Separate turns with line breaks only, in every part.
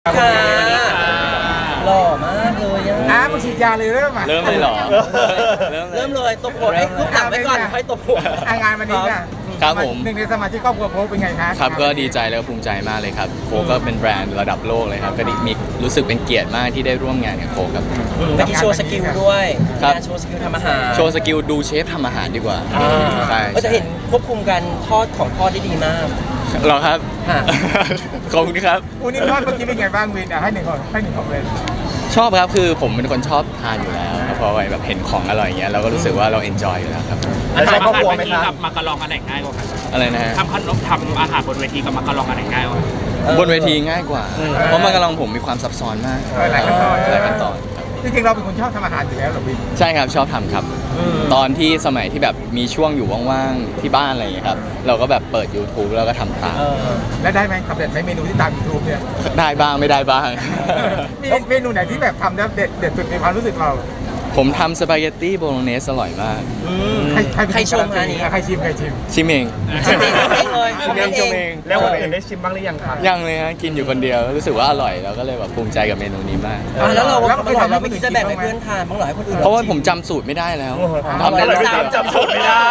ค่ะหล่อมากเลย
มึงฉีดยาเลยเริ่มอ่ะ
เริ่มเลยเหรอ
เริ่มเลยตบหัวให้ลูกหนังไว้ก่อนค่อยตบหัว
งานวันนี้ค่ะ
ครับผม
หนึ่งในสมาชิกครอบครัวโค้ชเป็นไงคะ
ครับก็ดีใจแล้วก็ภูมิใจมากเลยครับโคก็เป็นแบรนด์ระดับโลกเลยครับก็มีรู้สึกเป็นเกียรติมากที่ได้ร่วมงานกับโคครับ
เมื่อกี้โชว์สกิลด้วย
ครับ
โชว์สกิลทำอาหาร
โชว์สกิลดูเชฟทำอาหารดีกว่าใช่
ก็จะเห็นควบคุมการทอดของทอดได้ดีมาก
เหรอครับ
ค่ะ
ขอบคุณครับ
วันนี้ทอดเมื่อกี้เป็นไงบ้างวินให้หนึ่งของเลย
ชอบครับคือผมเป็นคนชอบทานอยู่แล้วครับพอแบบเห็นของอร่อยอย่างเงี้ยเราก็รู้สึกว่าเราเอนจอยอยู่แล้วครับ
แล้วชอบครอบครัวไหมครับกับมักกะลองอันไหนง่ายกว่ากัน
อะไรนะฮะ
ทำขนมทำอาหารบนเวทีกับมักกะลองอันไหนง่ายกว่ากัน
บนเวทีง่ายกว่า เพราะมันกำลังผมมีความซับซ้อนมาก
หลายขั้นตอน
หลายขั้นตอนครับ
จริงๆเราเป็นคนชอบทำอาหารอยู่แล้วเหรอวิน
ใช่ครับชอบทำครับ ตอนที่สมัยที่แบบมีช่วงอยู่ว่างๆที่บ้านอะไรอย่างเงี้ยครับเราก็แบบเปิด YouTube แล้วก็ทำตาม
แล้วได้ไหมสำเร็จไหมเมนูที่ตามยูทูบเนี่ย
ได้บ้างไม่ได้บ้าง
มีเมนูไหนที่แบบทำแล้วเด็ดสุดในความรู้สึกเรา
ผมทำสปาเกตตี้โบโลเนสอร่อยมาก
ใครชมคะนี่
ใครชิม
ชิมเอง
ชิมเองเลย
ชิมเองชมเอง
แล้วคนอื่นได้ชิมบ้างหรือยังครับ
ยังเลยฮะกินอยู่คนเดียวรู้สึกว่าอร่อยแล้วก็เลยแบบภูมิใจกับเมนูนี้มาก
แล้วเราไม่คิดจะแบ่งให้เพื่อนทานบ้างเหรอให้คนอื่น
เพราะว่าผมจำสูตรไม่ได้แล้วทำได้
อร่อย
แค่
จำสูตรไม่ได้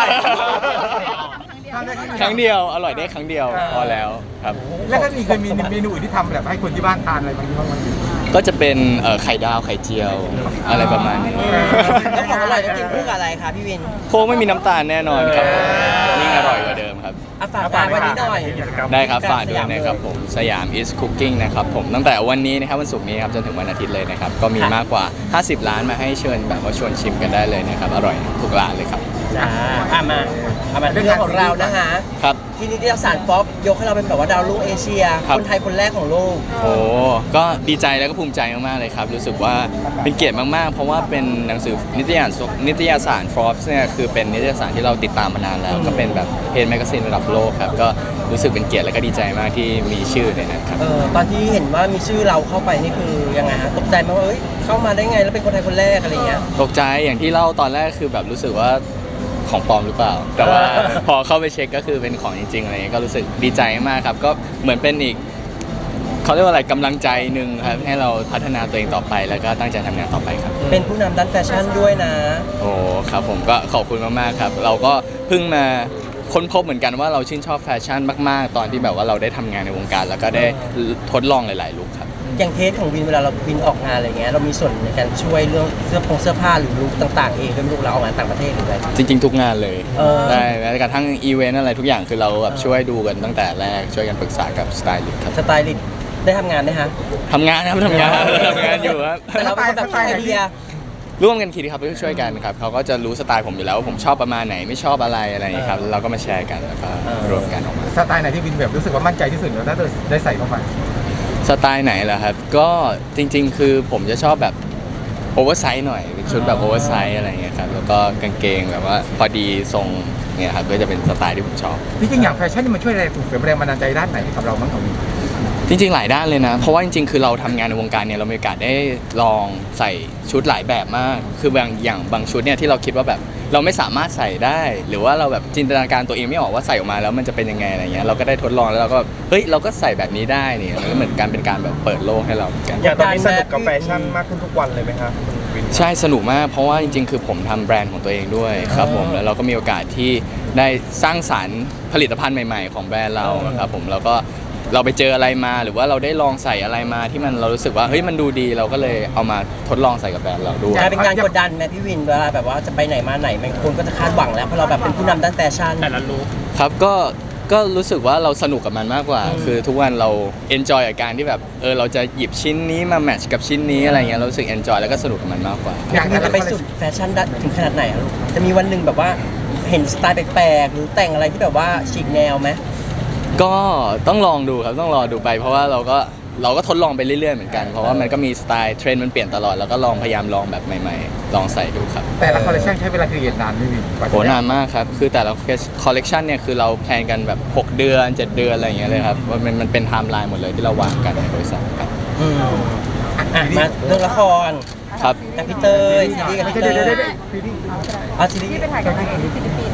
ครั้งเดียวอร่อยได้ครั้งเดียวพอแล้วครับ
แล้วก็เคยมีเมนูอื่นที่ทำแบบให้คนที่บ้านทานอะไรบางอย่างบ้างไหม
ก็จะเป็นไข่ดาวไข่เจียวอะไรประมาณนี้
แล้วของอร่อยต้องกินคู่กับอะไรคะพี่วิน
โค้กไม่มีน้ำตาลแน่นอนครับยิ่งอร่อยกว่าเดิมครับ
ฝากร้านวันนี้หน่อย
ได้ครับฝากด้วยนะครับผมสยาม is cooking นะครับผมตั้งแต่วันนี้นะครับวันศุกร์นี้ครับจนถึงวันอาทิตย์เลยนะครับก็มีมากกว่า 50 ร้านมาให้เชิญแบบว่าชวนชิมกันได้เลยนะครับอร่อยทุกร้านเลยครับ
มาเรื่องของเรานะคะ
ครับ
ที่นิตยสารฟอปยกให้เราเป็นแบบว่าดาวรุ่งเอเชีย
ครับ
คนไทยคนแรกของโลก
โอ้ก็ดีใจแล้วก็ภูมิใจมากๆเลยครับรู้สึกว่าเป็นเกียรติมากๆ เพราะว่าเป็นหนังสือนิตยสาร Forbes เนี่ยคือเป็นนิตยสารที่เราติดตามมานานแล้ว ก็เป็นแบบเพจแมกกาซีนระดับโลกครับก็รู้สึกเป็นเกียรติและก็ดีใจมากที่มีชื่อในนั้นครับ
ตอนที่เห็นว่ามีชื่อเราเข้าไปนี่คือยังไงฮะตกใจไหมว่าเอ้ยเข้ามาได้ไงแล้วเป็นคนไทยคนแรกอะไรเงี้ย
ตกใจอย่างที่เล่าตอนแรกคือแบบรู้สึกว่าของปลอมหรือเปล่า แต่ว่าพอเข้าไปเช็คก็คือเป็นของจริงๆอะไรเงี้ยก็รู้สึกดีใจมากครับก็เหมือนเป็นอีกเขาเรียกว่าอะไรกำลังใจหนึ่งครับให้เราพัฒนาตัวเองต่อไปแล้วก็ตั้งใจทำงานต่อไปครับ
เป็นผู้นำด้านแฟชั่นด้วยนะ
โอ้ครับผมก็ขอบคุณมากๆครับเราก็เพิ่งมาค้นพบเหมือนกันว่าเราชื่นชอบแฟชั่นมากๆ ตอนที่แบบว่าเราได้ทำงานในวงการ แล้วก็ได้ทดลองหลายๆลุคครับ
อย่างเทสของวินเวลาเราวินออกงานอะไรเงี้ยเรามีส่วนในการช่วยเรื่องเสื้อผ้าหรือลุคต่างๆเองด้วยไม่รู้เราออกงานต่างประเทศหรืออะไร
จริงๆ ทุกงานเลย
ได้
แม้กระทั่งอีเวนต์อะไรทุกอย่างคือเราแบบช่วยดูกันตั้งแต่แรกช่วยกันปรึกษากับสไตลิสต์ครับ
สไตลิสต์ได้ทำงานไหมฮะ
ทำงานครับทำงานอยู่ครับ
แต่เราเป็นคนแบบคิดไอเดีย
ร่วมกันคิดครับช่วยกันครับเขาก็จะรู้สไตล์ผมอยู่แล้วว่าผมชอบประมาณไหนไม่ชอบอะไรอย่างนี้ครับเราก็มาแชร์กันแล้วก็รวมกันออกมา
สไตล์ไหนที่วินแบบรู้สึกว่ามั่นใจที่สุดแล้วถ้าได้ใส่เข้าไป
สไตล์ไหนล่ะครับก็จริงๆ คือผมจะชอบแบบโอเวอร์ไซส์หน่อยเป็นชุดแบบโอเวอร์ไซส์อะไรเงี้ยครับแล้วก็กางเกงแบบว่าพอดีทรงเนี่ยครับก็จะเป็นสไตล์ที่ผมชอบ
จริงๆอย่างแฟชั่นนี่มันช่วยอะไรส่งเสริมแรงบันดาลใจด้านไหนให้กับเราบ้างของวิน
จริงๆ หลายด้านเลยนะ เพราะว่าจริงๆ คือเราทำงานในวงการเนี่ยเรามีโอกาสได้ลองใส่ชุดหลายแบบมาก คืบางชุดเนี่ยที่เราคิดว่าแบบเราไม่สามารถใส่ได้ หรือว่าเราแบบจินตนาการตัวเองไม่ออกว่าใส่ออกมาแล้วมันจะเป็นยังไงอะไรเงี้ยเราก็ได้ทดลองแล้วเราก็เฮ้ยเราก็ใส่แบบนี้ได้นี่มันก็เหมือนกันเป็นการแบบเปิดโลกให้เราเหมือนกัน
อย่างตอนนี้สนุกกับแฟชั่นมากขึ้นทุกวันเลยไหมครับคุณวิน
ใช่สนุกมากเพราะว่าจริงๆ คือผมทำแบรนด์ของตัวเองด้วยครับผมแล้วเราก็มีโอกาสที่ได้สร้างสรรค์ผลิตภัณฑ์ใหม่ๆ ของแบรนด์เราครับผมแล้วก็เราไปเจออะไรมาหรือว่าเราได้ลองใส่อะไรมาที่มันเรารู้สึกว่าเฮ้ยมันดูดีเราก็เลยเอามาทดลองใส่กับแบรนด์เราด้วย
จะเป็นการกดดันไหมพี่วินเวลาแบบว่าจะไปไหนมาไหนมันคนก็จะคาดหวังแล้วเพราะเราแบบเป็นผู้นำด้านแฟชั่น
แต่ละลุค
ครับก็รู้สึกว่าเราสนุกกับมันมากกว่า คือทุกวันเราเอนจอยกับการที่แบบเราจะหยิบชิ้นนี้มาแมทช์กับชิ้นนี้อะไรเงี้ยเรารู้สึกเอนจอยแล้วก็สนุกกับมันมากกว่า
อยากจะไปสุดแฟชั่นถึงขนาดไหนอะลูกจะมีวันหนึ่งแบบว่าเห็นสไตล์แปลกๆหรือแต่งอะไรที่แบบว่าฉีกแนวไหม
ก็ต้องลองดูครับต้องรอดูไปเพราะว่าเราก็ทดลองไปเรื่อยๆเหมือนกันเพราะว่ามันก็มีสไตล์เทรนด์มันเปลี่ยนตลอดแล้วก็พยายามลองแบบใหม่ๆลองใส่ดูครับ
แต่ละคอลเลคชันใช้เวลาครีเอทนานไหม่วินกว่าจะ
โหนานมากครับคือแต่ละคอลเลกชันเนี่ยคือเราแพลนกันแบบ6 เดือน 7 เดือนอะไรอย่างเงี้ยเลยครับว่ามันเป็นไทม์ไลน์หมดเลยที่เราวางกันในบริษัทครับ
มาเรื่องละคร
ครับ
กับพี่เตยซีรีส์กับพี่เตย
เดี๋ยว
ซีรีส์
ที่ไปถ่ายกับนางเอกที่ฟิลิปปินส์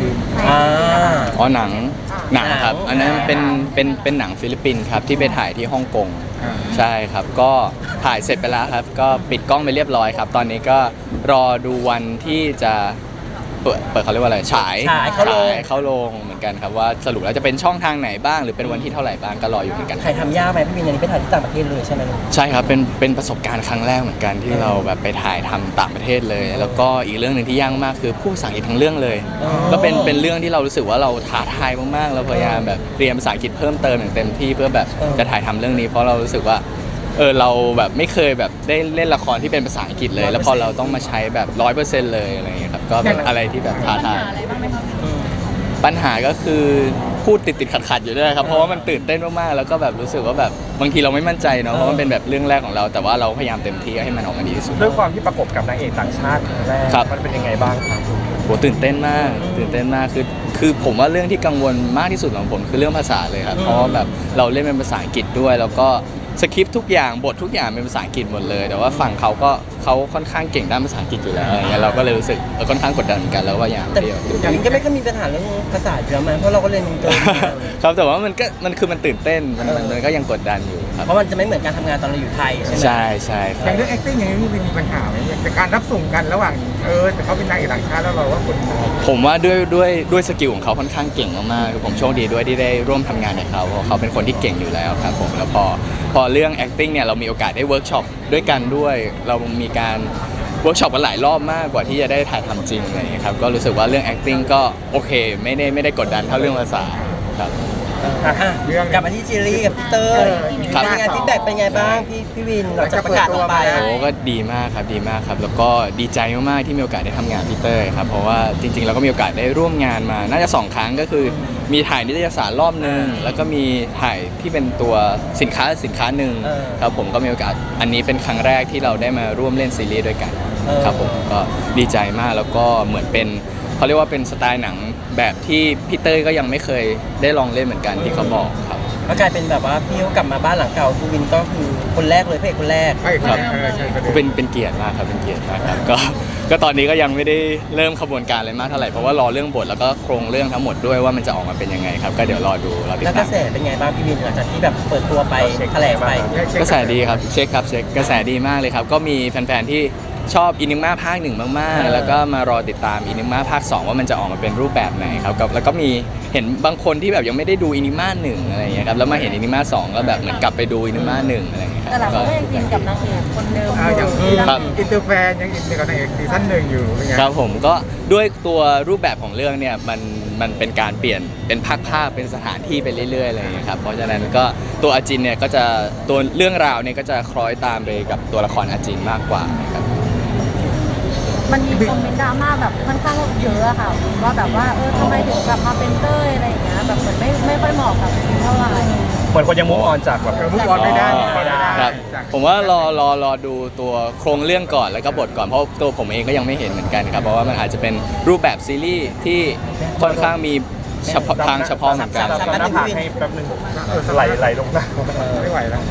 วิน
อ่า
อ๋อหนังครับ อันนั้นเป็นหนังฟิลิปปินส์ครับที่ไปถ่ายที่ฮ่องกง
อ่า
ใช่ครับก็ถ่ายเสร็จไปแล้วครับ ก็ปิดกล้องไปเรียบร้อยครับ ตอนนี้ก็รอดูวันที่จะเปิดเขาเรียกว่าอะไรฉาย
ฉายเข้าโรง
เข้าโรงเหมือนกันครับว่าสรุปแล้วจะเป็นช่องทางไหนบ้าง หรือเป็นวันที่เท่าไหร่บ้างก็รออยู่เหมือนกัน
ถ่ายทำยากไหมพี่วินอันนี้ไปถ่ายที่ต่างประเทศเลยใช่ไหมลูก
ใช่ครับเป็นประสบการณ์ครั้งแรกเหมือนกันที่เราแบบไปถ่ายทำต่างประเทศเลย แล้วก็อีกเรื่องหนึ่งที่ยากมากคือพูดภาษาอังกฤษทั้งเรื่องเลย
อ๋อ
ก็เป็นเรื่องที่เรารู้สึกว่าเราท้าทายมากๆเราพยายามแบบเรียนภาษาอังกฤษเพิ่มเติมอย่างเต็มที่เพื่อแบบจะถ่ายทำเรื่องนี้ เพราะเรารู้สึกว่าเราแบบไม่เคยแบบได้เล่นละครที่เป็นภาษาอังกฤษเลย แล้วพอเราต้องมาใช้แบบ100%เลยอะไรอย่างเงี้ยครับก็เป็นอะไรที่แบบท้าทายปัญหาก็คือพูดติดขัดอยู่ด้วยครับเพราะว่ามันตื่นเต้นมากๆแล้วก็แบบรู้สึกว่าแบบบางทีเราไม่มั่นใจเนาะเพราะมันเป็นแบบเรื่องแรกของเรา แต่ว่าเราพยายามเต็มที่ให้มันออกมาดีที่สุด
ด้วยความที่ประกบกับนางเอกต่างชาติครั้งแรก
ครับ
มันเป็นยังไงบ้างครับ
โหตื่นเต้นมากคือผมว่าเรื่องที่กังวลมากที่สุดของผมคือเรื่องภาษาเลยครับเพราะว่าแบบเราเล่นเป็นภาษาอังกฤษด้วยแล้วก็สคริปต์ทุกอย่างบททุกอย่างเป็นภาษาอังกฤษหมดเลย แต่ว่าฝั่งเขาค่อนข้างเก่งด้านภาษาอังกฤษอยู่แล้วอะไรเงี้ยเราก็เลยรู้สึกค่อนข้างกดดันเหมือนกันแล้วว่าอย่าง
แต่
เดียว
อย่างนี้ก็ไม่ค่อยมีปัญหาเรื่องภาษาอยู่แล้วมั้ยเพราะเราก็เรียนอินเตอร์
ครับแต่ว่ามันตื่นเต้นมันก็ยังกดดันอยู่ครับ
เพราะมันจะไม่เหมือนการทำงานตอนเราอยู่ไทยใช่ไหม
ใช่ค
อ
รั
ย่า
บ
งเรื่อง acting อย่างนี้พี่วินมีปัญหาไหมแต่การรับส่งกันระหว่างแต่เขาเป็นนางเอกต่างชาติแล้วเราว่าคนไทย
ผมว่าด้วยสกิลของเขาค่อนข้างเก่งมากๆคือผมโชคดีด้วยที่ได้ร่วมทำงานกับเขาเพราะเขาเป็นคนที่เก่งอยู่แล้วครับผมแล้วพอเรื่อง acting เนี่ยเรามีโอกาสได้เวิร์กช็อปด้วยกันด้วย เรามีการเวิร์กช็อปกันหลายรอบมากกว่าที่จะได้ถ่ายทำจริงอะไรอย่างเงี้ยครับก็รู้สึกว่าเรื่อง acting ก็โอเคไม่ได้กดดันเท่าเรื่องภาษาครับ
อ่ะกลับมาที่ซีรีส์กับพี่เตอร์
ครับ
เป็นไงฟีดแบ็กเป็นไงบ้างพี่วินหลังจากประกาศออกไป
โอ้ก็ดีมากครับแล้วก็ดีใจมากๆที่มีโอกาสได้ทำงานกับพี่เต้ยครับเพราะว่าจริงๆเราก็มีโอกาสได้ร่วมงานมาน่าจะ2 ครั้งก็คือมีถ่ายนิตยสารรอบนึงแล้วก็มีถ่ายที่เป็นตัวสินค้าหนึ่งครับผมก็มีโอกาสอันนี้เป็นครั้งแรกที่เราได้มาร่วมเล่นซีรีส์ด้วยกันครับผมก็ดีใจมากแล้วก็เหมือนเป็นเขาเรียกว่าเป็นสไตล์หนังแบบที่พี่เต้ยก็ยังไม่เคยได้ลองเล่นเหมือนกันที่เขาบอกครับ
ก็กลายเป็นแบบว่าพี่เขากลับมาบ้านหลังเก่าพี่วินก็คือคนแรกเลยพระเอกคนแรก
ใช่ครับใช่ครับ
เป็นเกียรติมากครับเป็นเกียรติมากครับก็ตอนนี้ก็ยังไม่ได้เริ่มขบวนการอะไรมากเท่าไหร่เพราะว่ารอเรื่องบทแล้วก็โครงเรื่องทั้งหมดด้วยว่ามันจะออกมาเป็นยังไงครับก็เดี๋ยวรอติด
แล้วก
ตา
ระ
ม
แสเป็นไงบ้างพี่วินหลังจากที่แบบเปิดตัวไปแถลงไป
กระแสดีครับเช็คกระแสดีมากเลยครับก็มีแฟนๆที่ชอบอินิม่าภาค 1มากๆแล้วก็มารอติดตามอินิม่าภาค 2ว่ามันจะออกมาเป็นรูปแบบไหนครับแล้วก็มีเห็นบางคนที่แบบยังไม่ได้ดูอินิม่า1อะไรอย่างเงี้ยครับแล้วมาเห็นอินิม่า2ก็แบบเหมือนกลับไปดูอินิม่า1อะไรอย่างเงี้ยค
แต่
รับ
เราก็ยังอินกับนางเอกคนเดิม
อย่าง
ครับ
อินเตอร์แฟนยังอินกับนางเอกซีซั่น 1อยู่เป็นไง
ครับผมก็ด้วยตัวรูปแบบของเรื่องเนี่ยมันเป็นการเปลี่ยนเป็นภาคเป็นสถานที่ไปเรื่อยๆอะไรอย่างเงี้ยครับเพราะฉะนั้นก็ตัวอาจินเนี่ยก็จะตัวเรื่องราวเนี่ยก็จะคล้อยตามไปกับตัวละครอาจินมากกว่านะครับ
มันมีคอมเมนต์ดราม่าแบบค่อนข้างเยอะอะค่ะว่าแบบว่าทำไมถึงกลับมาเป็นเต้ยอะไรอย่างเงี้ยแบบเหมือนไม่ค่อยเหมาะกับเท่าไหร่
เหมือนคนยังมุ่งออนจากแบบ
มุกออนไม่ได้
ครับผมว่ารอดูตัวโครงเรื่องก่อนแล้วก็บทก่อนเพราะตัวผมเองก็ยังไม่เห็นเหมือนกันครับเพราะว่ามันอาจจะเป็นรูปแบบซีรีส์ที่ค่อนข้างมีเฉพาะทางเฉพาะเหมือนกัน
สาม
หน้าผากให้แป๊บนึงไหลลงหน้า
ไม่ไหวแล้ว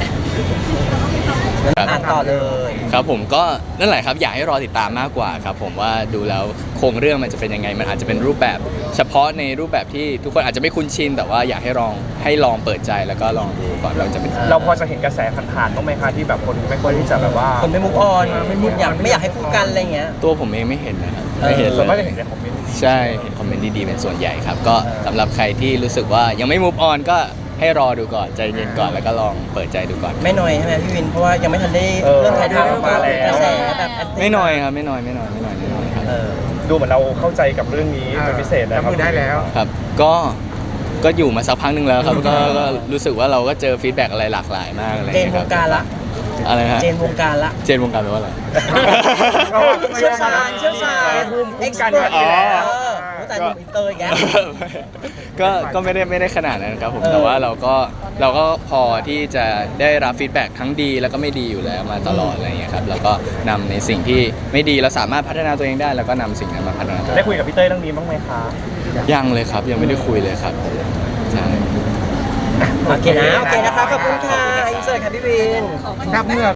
ครับ
อ่านต่อเลย
ครับผมก็นั่นแหละครับอยากให้รอติดตามมากกว่าครับผมว่าดูแล้วโครงเรื่องมันจะเป็นยังไงมันอาจจะเป็นรูปแบบ เฉพาะในรูปแบบที่ทุกคนอาจจะไม่คุ้นชินแต่ว่าอยากให้ลองเปิดใจแล้วก็ลองดูก่อนเราจะเป็น
เราพอจะเห็นกระแสผ่านๆบ้างไหมคะที่แบบคนไม่ค่อยที่จะแบบว่า
คนไม่มุกออนไม่อยากให้พูดกันอะไรเงี้ย
ตัวผมเองไม่เห็นนะครับไม่เห็น
ส่วนมาก
เล
จะ
ย
เห็นในคอมเมนต์
ใช่เห็นคอมเมนต์ดีๆเป็นส่วนใหญ่ครับก็สำหรับใครที่รู้สึกว่ายังไม่ move on ก็ให้รอดูก่อนใจเย็นก่อนแล้วก็ลองเปิดใจดูก่อน
ไม่น้อยใช่ไหมพี่วินเพราะว่ายังไม่ทันได้เริ่มถ่ายทำออกมาเลยกระแสแบบแอนตี้
ไม่น้อยครับไม่น้อยครับ
ดูเหมือนเราเข้าใจกับเรื่องนี้เป็นพิเศษนะค
รั
รั
บบ มือได้แล้ว
ครับก็อยู่มาสักพักหนึ่งแล้วครับก็รู้สึกว่าเราก็เจอฟีดแบ็กอะไรหลากหลายมากอะไรอ
เจ
ย่าง
น
เงี้ยว ครั
ง
บ
การละ
อะไรฮะ
เจนวงการละ
เจนวงการแปลว่าอะไร
เชี่ยวชาญเอ็กซ์เพรส
อ๋อ
แต่หนุ่มอินเตอร์อีกแล้ว
ก็ไม่ได้ขนาดนั้นครับผมแต่ว่าเราก็พอที่จะได้รับฟีดแบ็กทั้งดีแล้วก็ไม่ดีอยู่แล้วมาตลอดอะไรอย่างเงี้ยครับแล้วก็นำในสิ่งที่ไม่ดีเราสามารถพัฒนาตัวเองได้แล้วก็นำสิ่งนั้นมาพัฒนาตัวเอ
ได้
ง
คุยกับพี่เต้ยเรื่องนี้บ้างไหมคะ
ยังเลยครับยังไม่ได้คุยเลยครับใช่
โอเคนะครับขอบคุณค่ะอินเสิร์ตค่ะพี่วิน
ทราบเมื่อ